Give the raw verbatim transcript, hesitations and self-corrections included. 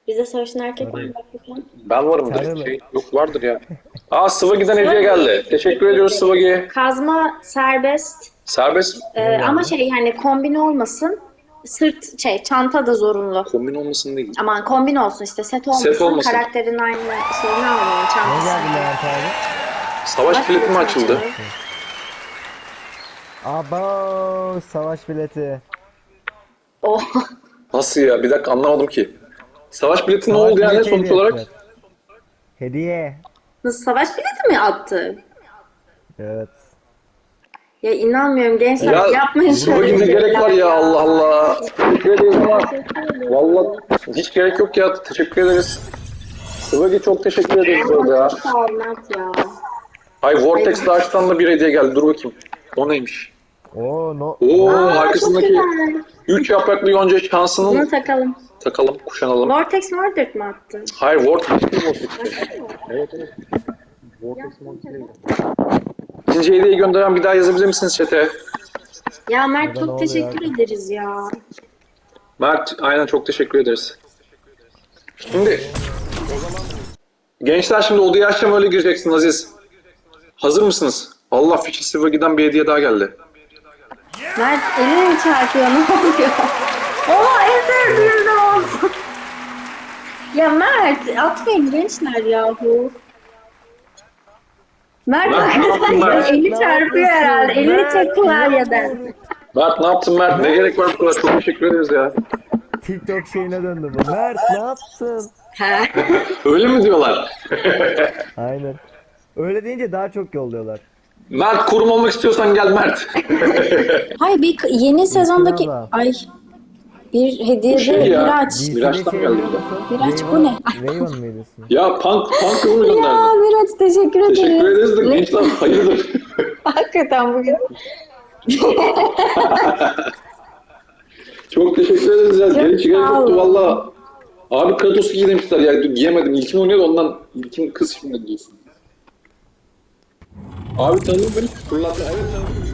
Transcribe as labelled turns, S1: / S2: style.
S1: Bize savaşın erkek var mı?
S2: Hadi.
S1: Bak bakalım.
S3: Ben varım da
S2: Sarılı.
S3: şey yok vardır ya. Aa Sıvagi'den hediye geldi. Teşekkür ediyoruz Sıvagi.
S1: Kazma serbest.
S3: Serbest
S1: Ee,
S2: Ne
S1: ama
S2: geldi?
S1: şey hani kombin olmasın. Sırt şey çanta da zorunlu.
S3: kombin olmasın değil.
S1: Aman kombin olsun işte set olmasın.
S3: Set olmasın.
S1: Karakterin aynı şeyini almayın
S2: Ne
S1: çantası.
S2: geldi Levent abi?
S3: Savaş bileti mi açıldı?
S2: Abo savaş bileti.
S1: Oh.
S3: Nasıl ya? Bir dakika anlamadım ki. Savaş bileti ne
S2: Savaş
S3: oldu yani
S2: bileti
S3: sonuç
S2: hediye
S3: olarak?
S2: ettiler. Hediye.
S1: Nasıl savaş bileti mi attı?
S2: Evet.
S1: Ya inanmıyorum gençler
S3: Ya
S1: yapmayın
S3: Sıvagi
S1: şöyle
S3: ne gerek var
S1: şeyler
S3: ya Allah Allah. Teşekkür ederiz ama valla hiç gerek yok ya. Teşekkür ederiz. Sıvagi çok teşekkür ederiz orada ya.
S1: Çok sağ ol Mert ya.
S3: Ay Vortex Dash'tan da bir hediye geldi. Dur bakayım. O neymiş?
S2: Oo no.
S3: Oo
S1: Aa, çok
S3: arkasındaki
S1: güzel.
S3: üç yapraklı yonca şansının
S1: Bunu takalım.
S3: takalım, kuşanalım.
S1: Vortex Mordred mi attı?
S3: Hayır Vortex değil Vortex. Evet evet. İkinci hediyeyi gönderen bir daha yazabilir misiniz chat'e?
S1: Ya Mert
S2: Burada ne
S1: çok
S2: oluyor
S1: teşekkür
S2: abi?
S1: ederiz ya.
S3: Mert aynen çok teşekkür ederiz. Şimdi gençler şimdi odaya açacağım öyle gireceksin Aziz. Hazır mısınız? Allah Fişi Sivagi'den bir hediye daha geldi.
S1: Mert eline mi çarpıyor ne oluyor? Oha en sevdiğim de oldu. Ya Mert atmayın gençler yahu. Mert
S3: Mert, ne yaptın Mert?
S1: eli çarpıyor herhalde. Elini çek klavyeden.
S3: Mert ne yaptın Mert? Ne gerek var bu kadar? Çok teşekkür ederiz ya.
S2: TikTok şeyine döndü bu. Mert ne yaptın?
S1: He.
S3: Öyle mi diyorlar?
S2: Aynen. Öyle deyince daha çok yolluyorlar.
S3: Mert kurum olmak istiyorsan gel Mert.
S1: Hayır bir yeni sezondaki
S2: abla.
S1: ay bir hediyede
S3: şey ya.
S1: Miraç.
S2: D C'de
S3: Miraç'tan
S2: şey
S3: geldi
S2: biliyor
S3: bu da.
S2: musun?
S1: Miraç,
S2: Raven-
S1: bu ne?
S2: Raven mıydı ismi?
S3: Ya punk, punk mu
S1: Ya
S3: gönderdin?
S1: Miraç teşekkür ederiz.
S3: Teşekkür ederiz de
S1: Ne-
S3: gençler hayırdır?
S1: Hakikaten bugün.
S3: Çok teşekkür ederiz ya.
S1: Çok
S3: Geri gerek
S1: sağ
S3: yoktu
S1: olun.
S3: valla. Abi Kratos'u giy demişler ya. Giyemedim. İlkin oynuyordu ondan. İlkin kız şimdi giysin. Abi tanıdın beni. Fırlattı. Evet tanıdım.